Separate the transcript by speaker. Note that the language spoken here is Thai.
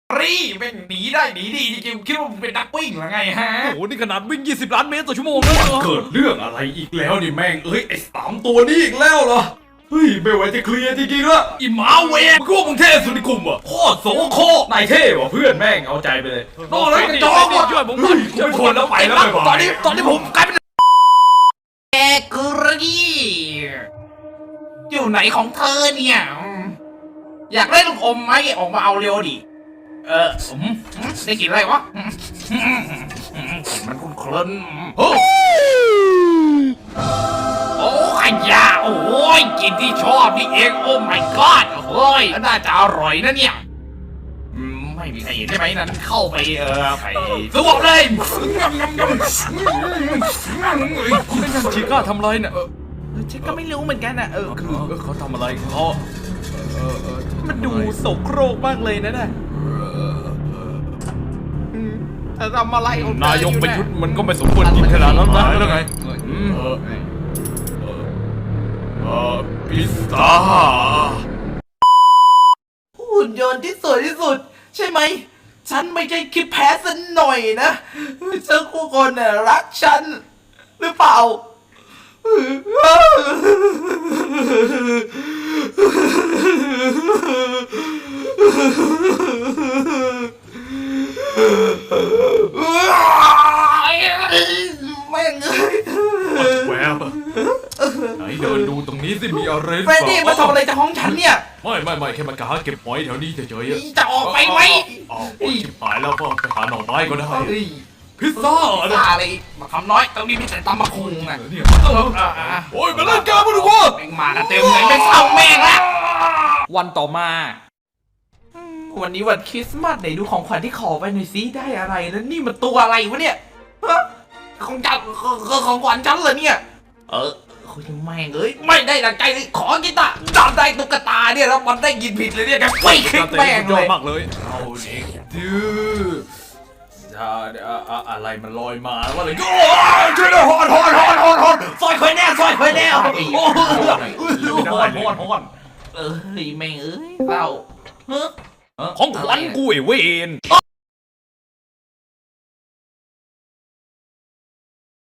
Speaker 1: รีแม่งหนีได้หนีดีจริงๆคิดว่ามึงเป็นนักวิ่งหรือไงฮะ
Speaker 2: โอ้โหนี่ขนาดวิ่ง20 ล้านเมตรต่อชั่วโมงแล้วเหรอ
Speaker 1: เกิดเรื่องอะไรอีกแล้วนี่แม่งไอ้3 ตัวนี้อีกแล้วเหรอเฮ้ยไม่ไหวจะเคลียร์จริงๆละอีหมาเวรมึงก็มึงเท่สุดในกลุ่มอ่ะโคตรโสโครกนายเท่ว่ะเพื่อนแม่งเอาใจไปเลยนอกนั้นกระจอกว่ะ
Speaker 2: ช่วยผมก่อน
Speaker 1: กูไม่ทนแล้วไปแล้วไปตอนนี้ผมกลายเป็นแกกรีอยู่ไหนของเธอเนี่ยอยากได้ลูกอมไหมออกมาเอาเร็วดิได้กลิ่นอะไรวะมันคุ้นเคลิ้นโอ้ขยะโอ้ยกลิ่นที่ชอบนี่เองโอ้ my god เฮ้ยน่าจะอร่อยนะเนี่ยไม่มีใครเห็นใช่ไหมนั้นเข้าไปไปสวบเลย
Speaker 2: ชิก้าทำอะไรเนี่ย
Speaker 3: ฉันก็ไม่รู้เหมือนกันอ่ะ
Speaker 2: คือเขาทำอะไรเขา
Speaker 3: มันดูโสโครกมากเลยนะเธอทำอะไรของเธอน
Speaker 2: ายกประยุทธ์มันก็ไม่สมควรกินขนาดนั้นนะแล้วไงพิซซ่า
Speaker 3: หุ่นยนต์ที่สวยที่สุด ใช่ไหมฉันไม่ใช่คิดแพ้สักหน่อยนะเจ้าคู่คนน่ะรักฉันหรือเปล่าแม่ง
Speaker 2: แวบไหนเดินดูตรงนี้สิมีอะไร
Speaker 3: เฟรดดี้มาทำอะไรจากห้องฉันเนี่ย
Speaker 2: ไม่แค่มากะหาเก็บหอยแถวนี้เฉยๆ
Speaker 3: จะออกไปไหม
Speaker 2: ชิบหายแล้วก็ไปหาหน่อไม้ก็ได้
Speaker 3: เฮ้ย
Speaker 2: พิซซ่า
Speaker 3: ซาเลยมาคำน้อยตรงนี้มีแต่ตำมะคุงนะ
Speaker 2: เนี่ยโอ้ยมาเล่นเกมมาดูว่า
Speaker 3: แม่งมากันเต็มเลยไม่เข้าแม่งละวันต่อมาวันนี้วันคริสต์มาสไหนดูของขวัญที่ขอไปหน่อยสิได้อะไรแล้วนี่มันตัวอะไรวะเนี่ยของจันของขวัญฉันเหรอเนี่ยคุยแม่งไม่ได้ดังใจเลยขอกีตาร์ดันได้ตุ๊กตาเนี่ยแล้วมันได้ยินผิดเลยเนี่ยแกไม่คิดแม่งเลย
Speaker 2: มากเลยเอาเด็กดื้ออะไรมันลอยมาว่าอะไรก็ช่วยด้วยฮอนซอยเคยแน่โอ้ยฮอน
Speaker 3: แม่งเศร้า
Speaker 2: ของขวัญกูไอ้เวน
Speaker 3: โอ้